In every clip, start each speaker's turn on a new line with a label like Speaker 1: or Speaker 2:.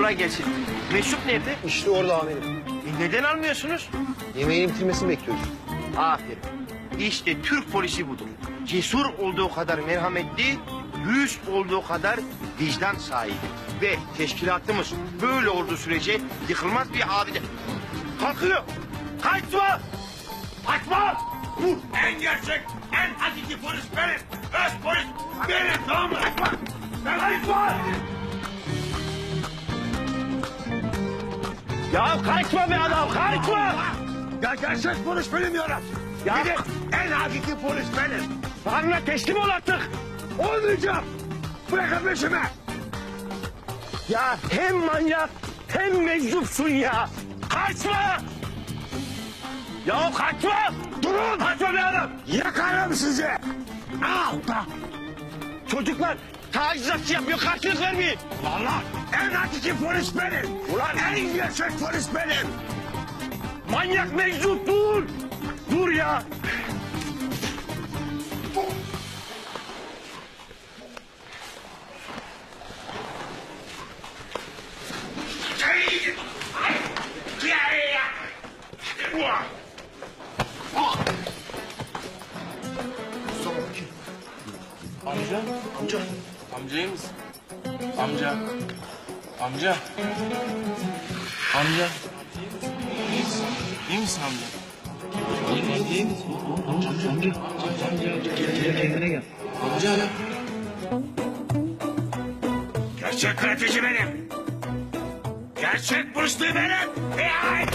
Speaker 1: kolay gelsin. Mesut nerede?
Speaker 2: İşte orada amirim.
Speaker 1: Neden almıyorsunuz?
Speaker 2: Yemeğin bitirmesini bekliyoruz.
Speaker 1: Aferin. İşte Türk polisi budur. Cesur olduğu kadar merhametli, dürüst olduğu kadar vicdan sahibi. Ve teşkilatımız böyle olduğu sürece yıkılmaz bir abide. Kalkıyor. Kaçma! Kaçma! Bu en gerçek, en hakiki polis benim. Öz polis benim, tamam mı? Kaçma! Kaçma! Ya kaçma be adam, kaçma!
Speaker 3: Ya gerçek polis benim ya.
Speaker 1: Ya
Speaker 3: Bir de en hakiki polis benim.
Speaker 1: Tanrı'na teslim ol artık.
Speaker 3: Olmayacağım. Bırakın peşimi.
Speaker 1: Ya hem manyak hem meczupsun ya. Kaçma! Ya kaçma!
Speaker 3: Durun.
Speaker 1: Kaçma be adam!
Speaker 3: Yakarım sizi. Al da.
Speaker 1: Çocuklar tacizatçı yapıyor, karşılık vermeyin.
Speaker 3: Allah. En hakiki polis benim.
Speaker 1: Ulan
Speaker 3: En gerçek polis benim.
Speaker 1: manyak meczup dur! Dur ya!
Speaker 4: Amca. Amca. Amca iyi misin? Amca. Amca. Amca. İyi misin amca? İyi misin? Amca. Kendine gel. Amca ya.
Speaker 3: Gerçek karateci benim. Gerçek polis benim. Ya.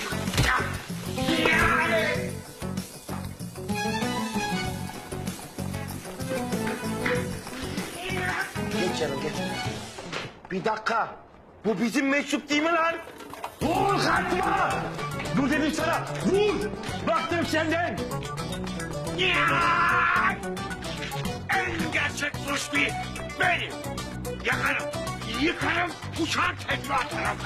Speaker 1: Geç canım geç. Bir dakika. Bu bizim meczup değil mi lan? Dur kaçma! Dur dedim sana. Dur! Baktım senden.
Speaker 3: Ya! En gerçek polis benim. Yakarım, yıkarım, uçar tekme atarım.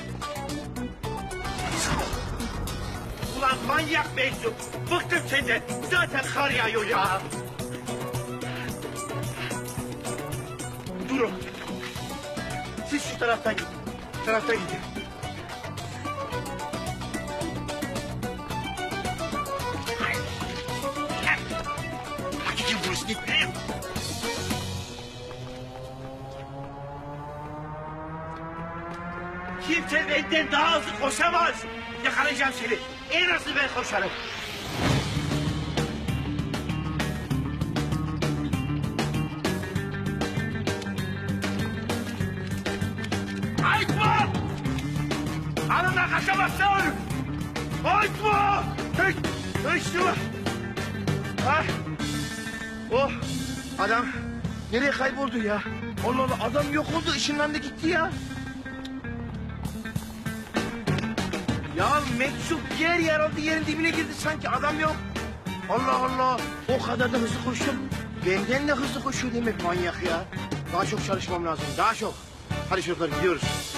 Speaker 1: Ulan manyak meczup. Bıktım senden. Zaten kar yağıyor ya. Durun. Siz şu taraftan gidin. Şu taraftan gidin.
Speaker 3: Hakiki polis benim.
Speaker 1: Kimse benden daha hızlı koşamaz. Yakalayacağım seni. En hızlı ben koşarım. Kaçma! Anından kaçamazsın! Kaçma! Kaçma! Ah! Oh! Adam nereye kayboldu ya? Allah Allah adam yok oldu, ışınlandı gitti ya. Ya meczup yer aldı, yerin dibine girdi sanki adam yok. Allah Allah, o kadar da hızlı koştum. Benden de hızlı koşuyor demek manyak ya. Daha çok çalışmam lazım, daha çok. Hadi çocuklar gidiyoruz.